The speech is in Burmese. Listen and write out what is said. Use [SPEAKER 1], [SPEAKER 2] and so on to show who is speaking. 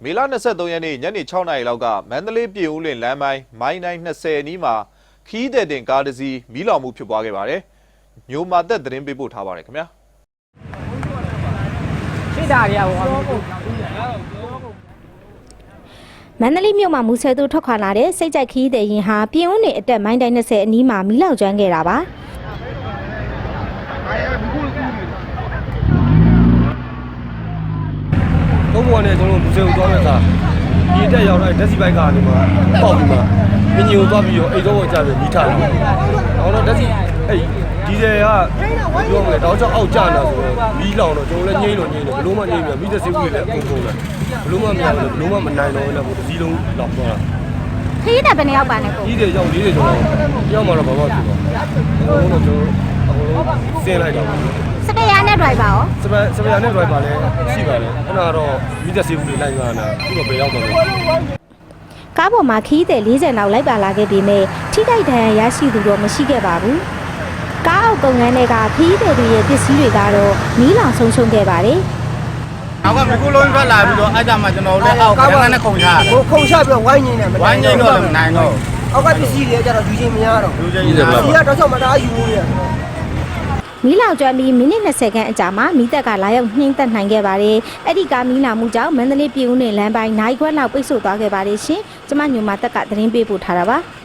[SPEAKER 1] မေလ23ရက်နေ့ညနေ6နာရီလောက်ကမန္တလေးပြည်ဦးလွင်လမ်းပိုင်းမိုင်းတိုင်း20အနီးမှာခီးတဲ့တင်ကားတစ်စီးမီးလောင်မှုဖြစ်ပွားခဲ့ပါတယ်။ညိုမာသက်သတင်းပေးပို့ထားပါတယ်ခင်ဗျာ။
[SPEAKER 2] ရှိတာတွေက
[SPEAKER 3] မန္တလေးမြို့မှာမူဆယ်သူထွက်ခွာလာတဲ့စိတ်ကြိုက်ခီးတဲ့ရင်ဟာပြည်ဦးနယ်အတက်မိုင်းတိုင်း20အနီးမှာမီးလောင်ကျွမ်းခဲ့တာပါ
[SPEAKER 4] ဘုံဘွားနဲ့ကျွန်တော်မူဆယ်ကိုသွားမဲ့အခါဒီတက်ရောက်တဲ့ဓာတ်စီဘိုက်ကနေမှပေါက်ပြီးမှမင်းကြီးကိုသွားပြီးတော့အိတ်တော့ကြပြီးမိထားတယ်။အော်တော့ဓာတ်စီအဲ့ဒီတယ်ကပြောမယ်တော့ကြောက်အောက်ကျလာဆိုတော့မီးလောင်တော့ကျွန်တော်လည်းငိမ့်လို့ငိမ့်တယ်ဘလို့မှငိမ့်ပြီးမိသက်စေးဘူးလည်းအကုန်ကုန်တယ်ဘလို့မှမရဘူးဘလို့မှမနိုင်တော့လည်းဒီစည်းလုံးလောက်သွားတာ
[SPEAKER 3] ခီးတဲ့ဘယ်နှစ်ယောက်ပါလဲကို
[SPEAKER 4] ကြီးတယ်ရောက်40ကျော်ရောက်မှတော့ဘာမှဖြစ်ပါဘူးတော့ကျွန်တော်အကုန်လုံးဆင်းလိုက်တော့
[SPEAKER 3] စပယ်ယာနဲ့ဒရိုက်ပါရော
[SPEAKER 4] စပယ်ယာနဲ့ဒရိုက်ပါလည်းရှိပါလေအဲ့ဒါတော့မိသက်စေးဘူးတွေလိုက်လာတာအခုတော့ဘယ်ရောက်တော့လဲ
[SPEAKER 3] ကားပေါ်မှာခီးတဲ့40လောက်လိုက်ပါလာခဲ့ပြီးမြဲထိခိုက်ဒဏ်ရာရရှိသူတော့မရှိခဲ့ပါဘူးကားအောက်ကုန်ငန်းတွေကခီးတဲ့တွေရဲ့ပစ္စည်းတွေကတော့မီးလောင်ဆုံးရှုံးခဲ့ပါတယ်
[SPEAKER 2] နောက်ကမကူလုံးထွက်လာပြီးတော့အဲ့ဒါမှကျွန်တော်လည်းအောက်ကငန်းနဲ့ခုန်ချတာ
[SPEAKER 5] ခုန်ချပြီးတော့ဝိုင်းငင်းတယ်
[SPEAKER 2] ဝိုင်းငင်းတော့လည်းမနိုင်တော့
[SPEAKER 5] အောက်ကပစ္စည်းတွေကျတော့ယူချင်းမရတော့
[SPEAKER 4] ယူချင်းရတယ်
[SPEAKER 5] ဒီကတော့ချက်မတားယူနေတယ်
[SPEAKER 3] မီးလောင်ကျွမ်းပြီးမိနစ်20ခန့်အကြာမှာမီးတပ်ကလာရောက်နှိမ့်သက်နိုင်ခဲ့ပါတယ်။အဲ့ဒီကားမီးလောင်မှုကြောင့်မန္တလေးပြည်ဦးနယ်လမ်းပိုင်းနိုင်ခွက်လောက်ပိတ်ဆို့သွားခဲ့ပါတယ်ရှင်။ကျမညိုမာတက်ကသတင်းပေးပို့ထားတာပါ။